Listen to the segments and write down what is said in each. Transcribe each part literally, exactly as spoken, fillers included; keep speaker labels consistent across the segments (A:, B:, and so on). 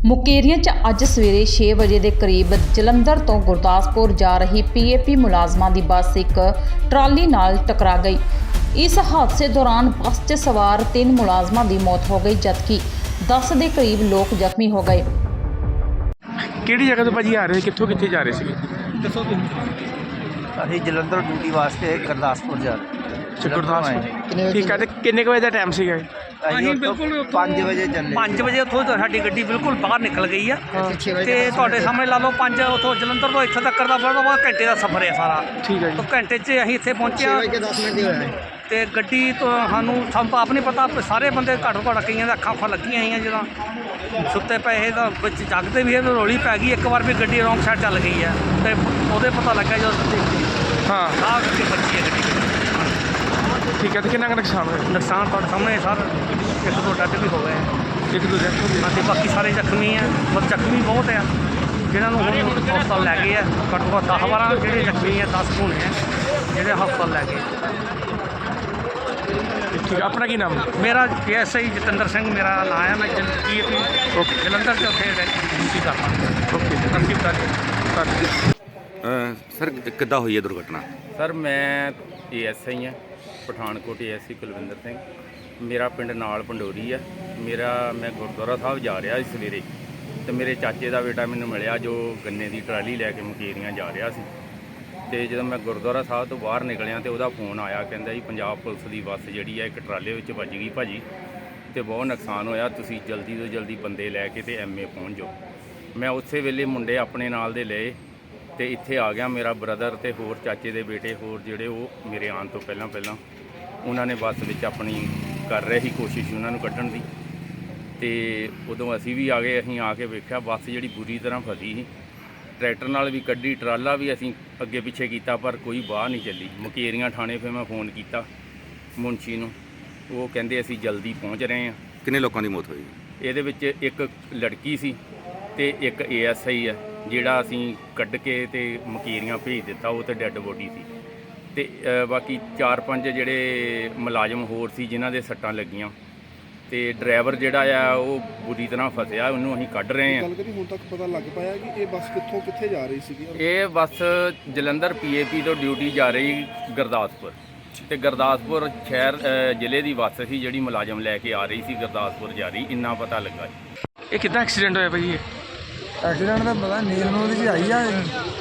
A: ਮੁਕੇਰੀਆਂ 'ਚ ਅੱਜ ਸਵੇਰੇ ਛੇ ਵਜੇ ਦੇ ਕਰੀਬ ਜਲੰਧਰ ਤੋਂ ਗੁਰਦਾਸਪੁਰ ਜਾ ਰਹੀ ਪੀਏਪੀ ਮੁਲਾਜ਼ਮਾਂ ਦੀ ਬੱਸ ਇੱਕ ਟਰਾਲੀ ਨਾਲ ਟਕਰਾ ਗਈ। ਇਸ ਹਾਦਸੇ ਦੌਰਾਨ ਬੱਸ 'ਚ ਸਵਾਰ ਤਿੰਨ ਮੁਲਾਜ਼ਮਾਂ ਦੀ ਮੌਤ ਹੋ ਗਈ ਜਦਕਿ ਦਸ ਦੇ ਕਰੀਬ ਲੋਕ ਜ਼ਖਮੀ ਹੋ ਗਏ।
B: ਕਿਹੜੀ ਜਗ੍ਹਾ ਤੋਂ ਭਾਜੀ ਆ ਰਹੇ ਕਿੱਥੋਂ ਕਿੱਥੇ ਜਾ ਰਹੇ ਸੀਗੇ?
C: ਦੱਸੋ ਤੁਸੀਂ। ਅਸੀਂ ਜਲੰਧਰ ਡਿਊਟੀ ਵਾਸਤੇ ਗੁਰਦਾਸਪੁਰ ਜਾ ਰਹੇ।
B: ਗੁਰਦਾਸਪੁਰ ਠੀਕ ਹੈ। ਤੇ ਕਿੰਨੇ ਕੁ ਵਜੇ ਦਾ ਟਾਈਮ ਸੀਗਾ?
C: ਅਸੀਂ ਬਿਲਕੁਲ ਪੰਜ ਵਜੇ ਚੱਲੇ।
D: ਪੰਜ ਵਜੇ ਉੱਥੋਂ ਸਾਡੀ ਗੱਡੀ ਬਿਲਕੁਲ ਬਾਹਰ ਨਿਕਲ ਗਈ ਆ ਤੇ ਤੁਹਾਡੇ ਸਾਹਮਣੇ ਲਾ ਲਓ ਪੰਜ ਉੱਥੋਂ ਜਲੰਧਰ ਤੋਂ ਇੱਥੇ ਤੱਕ ਦਾ ਬੜਾ ਘੰਟੇ ਦਾ ਸਫ਼ਰ ਹੈ ਸਾਰਾ।
B: ਠੀਕ ਹੈ ਜੀ।
D: ਤਾਂ ਘੰਟੇ 'ਚ ਅਸੀਂ ਇੱਥੇ ਪਹੁੰਚੇ ਹਾਂ
C: ਦਸ ਮਿੰਟ ਹੀ ਹੋਇਆ
D: ਤੇ ਗੱਡੀ ਤੋਂ ਸਾਨੂੰ ਸਾਨੂੰ ਤਾਂ ਆਪ ਨਹੀਂ ਪਤਾ, ਸਾਰੇ ਬੰਦੇ ਘੱਟੋ ਘੱਟ ਕਈਆਂ ਦੇ ਅੱਖਾਂ ਅੱਖਾਂ ਲੱਗੀਆਂ ਹੋਈਆਂ ਜਦੋਂ ਸੁੱਤੇ ਪਏ ਤਾਂ ਵਿੱਚ ਜਗਦੇ ਵੀ ਇਹ ਰੌਲੀ ਪੈ ਗਈ। ਇੱਕ ਵਾਰ ਵੀ ਗੱਡੀ ਰੌਂਗ ਸਾਈਡ ਚੱਲ ਗਈ ਹੈ ਤੇ ਉਹਦੇ ਪਤਾ ਲੱਗਾ ਜਦੋਂ
B: ਹਾਂ
D: ਆਹ ਕਰਕੇ ਬੱਚੀ ਹੈ ਗੱਡੀ।
B: ਠੀਕ ਹੈ। ਤੇ ਕਿੰਨਾ ਕੁ ਨੁਕਸਾਨ ਹੋਇਆ?
D: ਨੁਕਸਾਨ ਤੁਹਾਡੇ ਸਾਹਮਣੇ ਸਰ ਇੱਕ ਦੋ ਡੱਡ ਵੀ ਹੋ ਗਏ,
B: ਇੱਕ ਦੋ ਜਗ੍ਹਾ
D: ਅਤੇ ਬਾਕੀ ਸਾਰੇ ਜ਼ਖਮੀ ਆ। ਪਰ ਜ਼ਖਮੀ ਬਹੁਤ ਆ ਜਿਹਨਾਂ ਨੂੰ ਹੁਣ ਹਸਪਤਾਲ ਲੈ ਗਏ ਆ। ਘੱਟੋ ਘੱਟ ਦਸ ਬਾਰਾਂ ਜਿਹੜੇ ਜ਼ਖਮੀ ਆ, ਦਸ ਹੋਣੇ ਆ ਜਿਹੜੇ ਹਸਪਤਾਲ ਲੈ ਗਏ।
B: ਠੀਕ। ਆਪਣਾ ਕੀ ਨਾਮ?
D: ਮੇਰਾ ਐਸ ਆਈ ਜਤਿੰਦਰ ਸਿੰਘ ਮੇਰਾ ਨਾਂ ਹੈ। ਮੈਂ ਜੀ ਓਕੇ ਜਲੰਧਰ 'ਚ ਉੱਥੇ ਡਿਊਟੀ ਕਰਦਾ।
B: ਓਕੇ
D: ਨਸੀਬਦਾਰੀ।
E: ਸਰ ਕਿੱਦਾਂ ਹੋਈ ਹੈ ਦੁਰਘਟਨਾ?
F: ਸਰ ਮੈਂ ਏ ਐਸ ਆਈ ਹਾਂ Pathankot A S C Kulwinder Singh. ਮੇਰਾ ਪਿੰਡ ਨਾਲ ਪੰਡੋਰੀ ਆ। ਮੇਰਾ ਮੈਂ ਗੁਰਦੁਆਰਾ ਸਾਹਿਬ ਜਾ ਰਿਹਾ ਸੀ ਸਵੇਰੇ ਅਤੇ ਮੇਰੇ ਚਾਚੇ ਦਾ ਬੇਟਾ ਮੈਨੂੰ ਮਿਲਿਆ ਜੋ ਗੰਨੇ ਦੀ ਟਰਾਲੀ ਲੈ ਕੇ ਮੁਕੇਰੀਆਂ ਜਾ ਰਿਹਾ ਸੀ। ਅਤੇ ਜਦੋਂ ਮੈਂ ਗੁਰਦੁਆਰਾ ਸਾਹਿਬ ਤੋਂ ਬਾਹਰ ਨਿਕਲਿਆ ਤਾਂ ਉਹਦਾ ਫੋਨ ਆਇਆ, ਕਹਿੰਦਾ ਜੀ ਪੰਜਾਬ ਪੁਲਿਸ ਦੀ ਬੱਸ ਜਿਹੜੀ ਆ ਇੱਕ ਟਰਾਲੇ ਵਿੱਚ ਵੱਜ ਗਈ ਭਾਜੀ ਅਤੇ ਬਹੁਤ ਨੁਕਸਾਨ ਹੋਇਆ, ਤੁਸੀਂ ਜਲਦੀ ਤੋਂ ਜਲਦੀ ਬੰਦੇ ਲੈ ਕੇ ਅਤੇ ਐਮ ਏ ਪਹੁੰਚ ਜਾਓ। ਮੈਂ ਉਸੇ ਵੇਲੇ ਮੁੰਡੇ ਆਪਣੇ ਨਾਲ ਦੇ ਲਏ ਅਤੇ ਇੱਥੇ ਆ ਗਿਆ। ਮੇਰਾ ਬ੍ਰਦਰ ਅਤੇ ਹੋਰ ਚਾਚੇ ਦੇ ਬੇਟੇ ਹੋਰ ਜਿਹੜੇ ਉਹ ਮੇਰੇ ਆਉਣ ਤੋਂ ਪਹਿਲਾਂ ਪਹਿਲਾਂ ਉਹਨਾਂ ਨੇ ਬੱਸ ਵਿੱਚ ਆਪਣੀ ਕਰ ਰਹੇ ਸੀ ਕੋਸ਼ਿਸ਼ ਉਹਨਾਂ ਨੂੰ ਕੱਢਣ ਦੀ। ਅਤੇ ਉਦੋਂ ਅਸੀਂ ਵੀ ਆ ਗਏ। ਅਸੀਂ ਆ ਕੇ ਵੇਖਿਆ ਬੱਸ ਜਿਹੜੀ ਬੁਰੀ ਤਰ੍ਹਾਂ ਫਸੀ ਸੀ। ਟਰੈਕਟਰ ਨਾਲ ਵੀ ਕੱਢੀ, ਟਰਾਲਾ ਵੀ ਅਸੀਂ ਅੱਗੇ ਪਿੱਛੇ ਕੀਤਾ ਪਰ ਕੋਈ ਬਾਹ ਨਹੀਂ ਚੱਲੀ। ਮੁਕੇਰੀਆਂ ਥਾਣੇ ਫਿਰ ਮੈਂ ਫੋਨ ਕੀਤਾ ਮੁਨਸ਼ੀ ਨੂੰ, ਉਹ ਕਹਿੰਦੇ ਅਸੀਂ ਜਲਦੀ ਪਹੁੰਚ ਰਹੇ ਹਾਂ।
E: ਕਿੰਨੇ ਲੋਕਾਂ ਦੀ ਮੌਤ ਹੋਈ?
F: ਇਹਦੇ ਵਿੱਚ ਇੱਕ ਲੜਕੀ ਸੀ ਅਤੇ ਇੱਕ ਏ ਐਸ ਆਈ ਹੈ ਜਿਹੜਾ ਅਸੀਂ ਕੱਢ ਕੇ ਅਤੇ ਮੁਕੇਰੀਆਂ ਭੇਜ ਦਿੱਤਾ, ਉਹ ਤਾਂ ਡੈੱਡ ਬੋਡੀ ਸੀ। ਅਤੇ ਬਾਕੀ ਚਾਰ ਪੰਜ ਜਿਹੜੇ ਮੁਲਾਜ਼ਮ ਹੋਰ ਸੀ ਜਿਨ੍ਹਾਂ ਦੇ ਸੱਟਾਂ ਲੱਗੀਆਂ ਅਤੇ ਡਰਾਈਵਰ ਜਿਹੜਾ ਆ ਉਹ ਬੁਰੀ ਤਰ੍ਹਾਂ ਫਸਿਆ, ਉਹਨੂੰ ਅਸੀਂ ਕੱਢ ਰਹੇ ਹਾਂ।
G: ਗੱਲ ਕਰੀ ਹੁਣ ਤੱਕ ਪਤਾ ਲੱਗ ਪਾਇਆ ਕਿ ਇਹ ਬੱਸ ਕਿੱਥੋਂ ਕਿੱਥੇ ਜਾ ਰਹੀ ਸੀਗੀ?
F: ਇਹ ਬੱਸ ਜਲੰਧਰ ਪੀ ਏ ਪੀ ਤੋਂ ਡਿਊਟੀ ਜਾ ਰਹੀ ਗੁਰਦਾਸਪੁਰ ਅਤੇ ਗੁਰਦਾਸਪੁਰ ਸ਼ਹਿਰ ਜ਼ਿਲ੍ਹੇ ਦੀ ਬੱਸ ਸੀ ਜਿਹੜੀ ਮੁਲਾਜ਼ਮ ਲੈ ਕੇ ਆ ਰਹੀ ਸੀ ਗੁਰਦਾਸਪੁਰ ਜਾ ਰਹੀ, ਇੰਨਾ ਪਤਾ ਲੱਗਾ।
B: ਇਹ ਕਿੱਦਾਂ ਐਕਸੀਡੈਂਟ ਹੋਇਆ ਭਾਜੀ? ਇਹ
G: ਐਕਸੀਡੈਂਟ ਦਾ ਪਤਾ ਨੀਂਦ ਨੂੰ ਉਹਦੀ ਆਈ ਆ,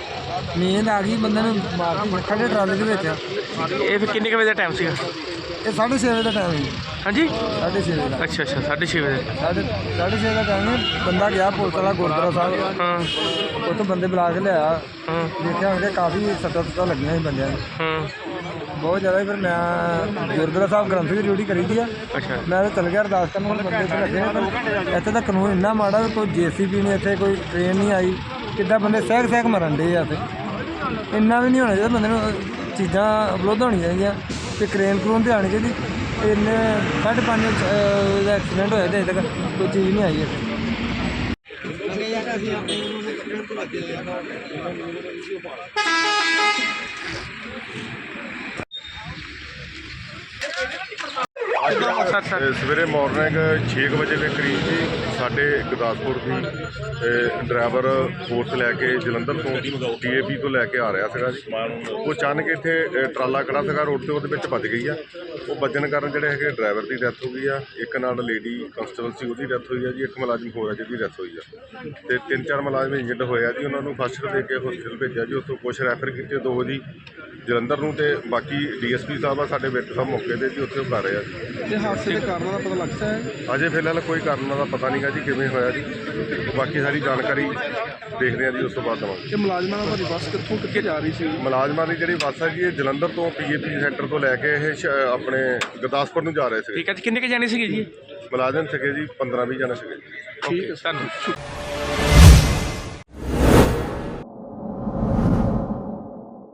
G: ਨੀਂਦ ਆ ਗਈ ਬੰਦੇ ਨੂੰ ਮਾਰ ਕੇ ਖੜੇ ਟਰਾਲੇ ਦੇ ਵਿੱਚ।
B: ਇਹ ਫਿਰ ਕਿੰਨੇ ਕੁ ਵਜੇ ਦਾ ਟਾਈਮ ਸੀਗਾ?
G: ਇਹ ਸਾਢੇ ਛੇ ਵਜੇ ਦਾ ਟਾਈਮ ਹੈ।
B: ਹਾਂਜੀ
G: ਸਾਢੇ ਛੇ ਵਜੇ ਦਾ।
B: ਅੱਛਾ ਅੱਛਾ ਸਾਢੇ ਛੇ ਵਜੇ।
G: ਸਾਢੇ ਸਾਢੇ ਛੇ ਦਾ ਟਾਈਮ ਹੈ। ਬੰਦਾ ਗਿਆ ਪੁਲਿਸ ਵਾਲਾ ਗੁਰਦੁਆਰਾ ਸਾਹਿਬ,
B: ਹਾਂ
G: ਉੱਥੋਂ ਬੰਦੇ ਬੁਲਾ ਕੇ ਲਿਆ।
B: ਹਾਂ
G: ਦੇਖਿਆ ਹੋਣਗੇ ਕਾਫੀ ਸੱਟਾਂ ਸੁੱਟਾਂ ਲੱਗੀਆਂ ਸੀ ਬੰਦਿਆਂ ਨੂੰ,
B: ਹਾਂ
G: ਬਹੁਤ ਜ਼ਿਆਦਾ। ਫਿਰ ਮੈਂ ਗੁਰਦੁਆਰਾ ਸਾਹਿਬ ਗ੍ਰੰਥ ਦੀ ਡਿਊਟੀ ਕਰੀ ਦੀ ਆ।
B: ਅੱਛਾ।
G: ਮੈਂ ਤਾਂ ਚੱਲ ਗਿਆ ਅਰਦਾਸ ਕਰਨ, ਹੁਣ ਬੰਦੇ ਇੱਥੇ ਲੱਗੇ ਨੇ। ਪਰ ਇੱਥੇ ਤਾਂ ਕਾਨੂੰਨ ਇੰਨਾ ਮਾੜਾ ਵੀ ਕੋਈ ਜੇ ਸੀ ਬੀ ਨਹੀਂ, ਇੱਥੇ ਕੋਈ ਟ੍ਰੇਨ ਨਹੀਂ ਆਈ। ਕਿੱਦਾਂ ਬੰਦੇ ਸਹਿਕ ਸਹਿਕ ਮਰਨ ਡੇ ਆ। ਇੱਥੇ ਇੰਨਾ ਵੀ ਨਹੀਂ ਹੋਣਾ ਚਾਹੀਦਾ ਬੰਦੇ ਨੂੰ, ਚੀਜ਼ਾਂ ਉਪਲਬਧ ਹੋਣੀਆਂ ਚਾਹੀਦੀਆਂ ਅਤੇ ਕਰੇਨ ਕਰੂਨ ਤੇ ਆਉਣੀ ਚਾਹੀਦੀ। ਇੰਨੇ ਸਾਢੇ ਪੰਜ ਦਾ ਐਕਸੀਡੈਂਟ ਹੋਇਆ ਅਤੇ ਅਜੇ ਤੱਕ ਕੋਈ ਚੀਜ਼ ਨਹੀਂ ਆਈ ਇੱਥੇ।
H: ਸਵੇਰੇ ਮਾਰਨਿੰਗ ਛੇ ਕੁ ਵਜੇ ਦੇ ਕਰੀਬ ਜੀ ਸਾਡੇ ਗੁਰਦਾਸਪੁਰ ਦੀ ਡਰਾਈਵਰ ਫੋਰਸ ਲੈ ਕੇ ਜਲੰਧਰ ਤੋਂ ਡੀ ਏ ਪੀ ਤੋਂ ਲੈ ਕੇ ਆ ਰਿਹਾ ਸੀਗਾ ਜੀ। ਉਹ ਅਚਾਨਕ ਇੱਥੇ ਟਰਾਲਾ ਖੜਾ ਸੀਗਾ ਰੋਡ 'ਤੇ, ਉਹਦੇ ਵਿੱਚ ਵੱਜ ਗਈ ਆ। ਉਹ ਵੱਜਣ ਕਾਰਨ ਜਿਹੜੇ ਹੈਗੇ ਡਰਾਈਵਰ ਦੀ ਡੈਥ ਹੋ ਗਈ ਆ। ਇੱਕ ਨਾਲ ਲੇਡੀ ਕਨਸਟੇਬਲ ਸੀ, ਉਹਦੀ ਡੈਥ ਹੋਈ ਆ ਜੀ। ਇੱਕ ਮੁਲਾਜ਼ਮ ਹੋਰ ਆ ਜਿਹਦੀ ਡੈਥ ਹੋਈ ਆ ਅਤੇ ਤਿੰਨ ਚਾਰ ਮੁਲਾਜ਼ਮ ਇੰਜਰਡ ਹੋਏ ਆ ਜੀ। ਉਹਨਾਂ ਨੂੰ ਫਸਟ ਏਡ ਦੇ ਕੇ ਹੋਸਪਿਟਲ ਭੇਜਿਆ ਜੀ। ਉੱਥੋਂ ਕੁਛ ਰੈਫਰ ਕੀਤੇ, ਦੋ ਜੀ ਜਲੰਧਰ ਨੂੰ, ਅਤੇ ਬਾਕੀ ਡੀ ਐਸ ਪੀ ਸਾਹਿਬ ਆ ਸਾਡੇ ਵੇਟਰ ਸਾਹਿਬ ਮੌਕੇ 'ਤੇ ਜੀ, ਉੱਥੇ ਉਹ ਕਰ ਰਹੇ ਆ ਜੀ।
G: ਤੇ ਹਾਦਸੇ ਦੇ ਕਾਰਨਾਂ ਦਾ ਪਤਾ ਲੱਗਦਾ ਹੈ?
H: ਅਜੇ ਫਿਲਹਾਲ ਕੋਈ ਕਾਰਨਾਂ ਦਾ ਪਤਾ ਨਹੀਂ ਗਾ ਜੀ ਕਿਵੇਂ ਹੋਇਆ ਜੀ। ਬਾਕੀ ਸਾਰੀ ਜਾਣਕਾਰੀ ਦੇਖਦੇ ਹਾਂ ਜੀ, ਉਸ ਤੋਂ ਬਾਅਦ ਦੇਵਾਂਗੇ।
G: ਇਹ ਮੁਲਾਜ਼ਮਾਂ ਦੀ ਬੱਸ ਕਿੱਥੋਂ ਕਿੱਥੇ ਜਾ ਰਹੀ ਸੀ?
H: ਮੁਲਾਜ਼ਮਾਂ ਦੀ ਜਿਹੜੀ ਬੱਸ ਹੈ ਜੀ ਇਹ ਜਲੰਧਰ ਤੋਂ ਪੀ ਏ ਪੀ ਸੈਂਟਰ ਤੋਂ ਲੈ ਕੇ ਇਹ ਸ਼ ਆਪਣੇ ਗੁਰਦਾਸਪੁਰ ਨੂੰ ਜਾ ਰਹੇ ਸੀਗੇ।
B: ਠੀਕ ਹੈ ਜੀ। ਕਿੰਨੇ ਕੁ ਜਾਣੇ ਸੀਗੇ ਜੀ?
H: ਮੁਲਾਜ਼ਮ ਸੀਗੇ ਜੀ ਪੰਦਰਾਂ ਵੀਹ ਜਣੇ ਸੀਗੇ।
B: ਠੀਕ ਹੈ। ਧੰਨਵਾਦ।